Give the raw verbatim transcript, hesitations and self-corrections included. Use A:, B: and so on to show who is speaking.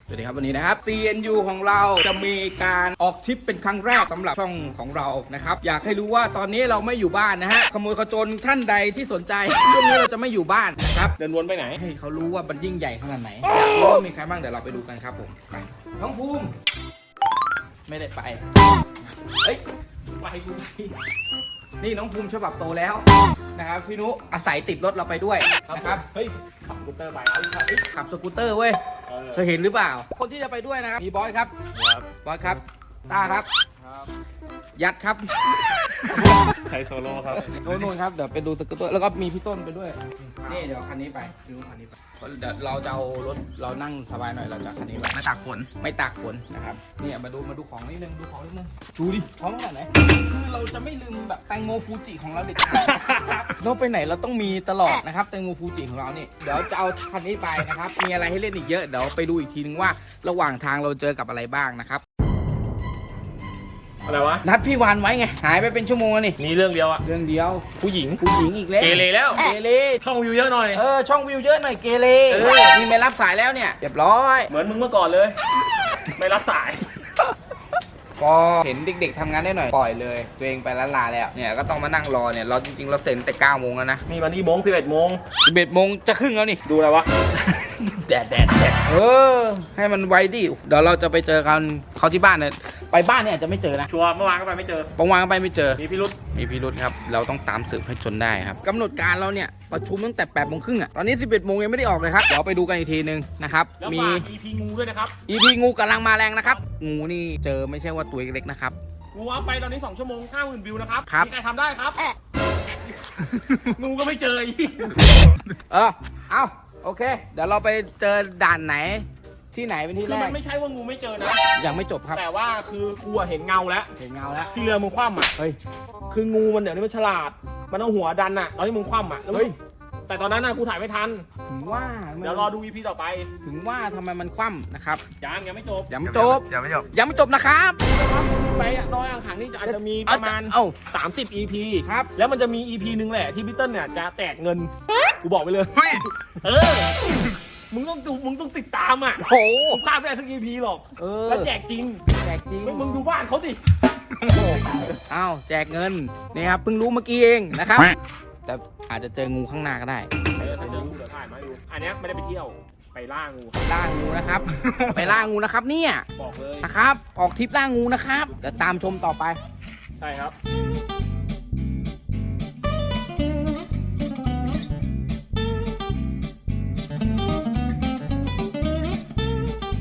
A: สวัสดีครับวันนี้นะครับ ซี เอ็น ยู ของเราจะมีการออกทริปเป็นครั้งแรกสำหรับช่องของเรานะครับอยากให้รู้ว่าตอนนี้เราไม่อยู่บ้านนะฮะขโมยขจรท่านใดที่สนใจช่วงนี้เราจะไม่อยู่บ้านนะครับ
B: เดินวนไปไหน
A: ให้เขารู้ว่ามันยิ่งใหญ่ขนาดไหนอยากรู้ว่ามีใครบ้างเดี๋ยวเราไปดูกันครับผมไปน้องภูมิไม่ได้ไปเฮ้ย
B: ไปกูไป
A: นี่น้องภูมิฉบับโตแล้วนะครับพี่นุอาศัยติดรถเราไปด้วยนะครับ
B: เฮ้ยขับสกูตเตอร์ไปเอาขับ
A: ขับสกูตเตอร์เว้ยเคยเห็นหรือเปล่าคนที่จะไปด้วยนะครับมีบอสครับบอสครับต้าครับยัดครับ
B: ใช้โซโล่ครับ
A: โน่นนู่นครับเดี๋ยวไปดูสกูตเตอร์แล้วก็มีพี่ต้นไปด้วยนี่เดี๋ยวคันนี้ไปดูคันนี้ไปเดี๋ยวเราจะเอารถเรานั่งสบายหน่อยเราจะคันนี้ไป
C: ไม่ตากฝน
A: ไม่ตากฝนนะครับนี่มาดูมาดูของนิดนึงดูของนิดนึงดูดิของขนาดไหนคือเราจะไม่ลืมแบบแตงโมฟูจิของเราเด็ดขาดเราไปไหนเราต้องมีตลอดนะครับแตงโมฟูจิของเราเนี่ยเดี๋ยวจะเอาคันนี้ไปนะครับมีอะไรให้เล่นอีกเยอะเดี๋ยวไปดูอีกทีนึงว่าระหว่างทางเราเจอกับอะไรบ้างนะครับ
B: อะไรวะ
A: นัดพี่วานไว้ไงหายไปเป็นชั่วโมงนี่
B: นี่เรื่องเดียวอะ
A: เรื่องเดียว
B: ผู้หญิง
A: ผู้หญิงอีกแล้ว
B: เกเรแล้ว
A: เกเร
B: ช่องวิวเยอะหน่อย
A: เออช่องวิวเยอะหน่อยเกเรนี่ไม่รับสายแล้วเนี่ยเรียบร้อย
B: เหมือนมึงเมื่อก่อนเลย ไม่รับสาย
A: ก็เห็นเด็กๆทำงานได้หน่อยปล่อยเลยตัวเองไปละลาแล้วเนี่ยก็ต้องมานั่งรอเนี่ยเราจริงๆเราเซ็นแต่เก้าโมงแล้วนะ
B: นี่มันนี่โมงสิบเอ็ดโมง
A: สิบเอ็ดโมงจะครึ่งแล้วนี่
B: ดูอะไรวะ
A: แดดแดดแดดเออให้มันไวดิเดี๋ยวเราจะไปเจอกันเขาที่บ้านเนี่ยไปบ้านเนี่ยอาจจะไม่เจอนะ
B: ชัวร์เมื่อวานก็ไปไม่เจอ
A: เมื่อวานก็ไปไม่เจอ
B: มีพิรุธ
A: มีพิรุธครับเราต้องตามสืบให้จนได้ครับกำหนดการเราเนี่ยประชุมตั้งแต่แปดโมงครึ่งอ่ะตอนนี้สิบเอ็ดโมงยังไม่ได้ออกเลยครับเดี๋ยวไปดูกันอีกทีนึงนะครับ
B: มี อี พี งูด้วยนะครับ
A: อี พี งูกำลังมาแรงนะครับงูนี่เจอไม่ใช่ว่าตัวเล็กๆนะครับ
B: งูอัพไปตอนนี้สองชั่วโมงห้าหมื่นวิวนะครับ
A: ครับ
B: มีใครทำได้ครับงูก็ไม่เจออีก
A: เออเอาโอเคเดี๋ยวเราไปเจอด่านไหนที่ไหนเป็นที่แรก
B: คือมันไม่ใช่ว่างูไม่เจอนะ
A: ยังไม่จบครับ
B: แต่ว่าคือกูเห็นเงาแล้ว
A: เห็นเงาแล้ว
B: ที่เรือมึงคว่ำอ่ะ
A: เฮ้ย
B: คืองูมันเดี๋ยวนี้มันฉลาดมันเอาหัวดันอ่ะตอนที่มึงคว่ำอ่ะเฮ้ยแต่ตอนนั้นน่ะกูถ่ายไม่ทัน
A: ถึงว่า
B: เดี๋ยวรอดู อี พี ต่อไป
A: ถึงว่าทำไมมันคว่ำนะครับ
B: ยังยังไม่จบ
A: ยังไม่จบ
C: ยังไม่จบ
A: ยังไม่จบนะครับ
B: ไปดอยอ่างขางนี่อาจจะมีประมาณสามสิบ อี พี
A: ครับ
B: แล้วมันจะมี อี พี นึงแหละที่พี่เติ้ลเนี่ยจะแตกเงินกูบอกไปเลย
C: เฮ้ย
B: เออมึงต้องดูมึงต้องติดตามอ่ะ
A: โอ้
B: พลาดไม่ได้สัก อี พี หรอกแล้วแจกจริง
A: แจกจริง
B: มึงดูบ้านเขาสิ
A: อ้าวแจกเงินนี่ครับเพิ่งรู้เมื่อกี้เองนะครับแต่อาจจะเจองูข้างหน้าก็ได้
B: เออถ้าเจองูเดี๋ยวถ่ายมาดูอันนี้ไม่ได้ไปเที่ยวไปล่างู
A: ล่างูนะครับไปล่างูนะครับเนี่ย
B: บอกเลย
A: นะครับออกทริปล่างูนะครับเดี๋ยวตามชมต่อไป
B: ใช่ครับ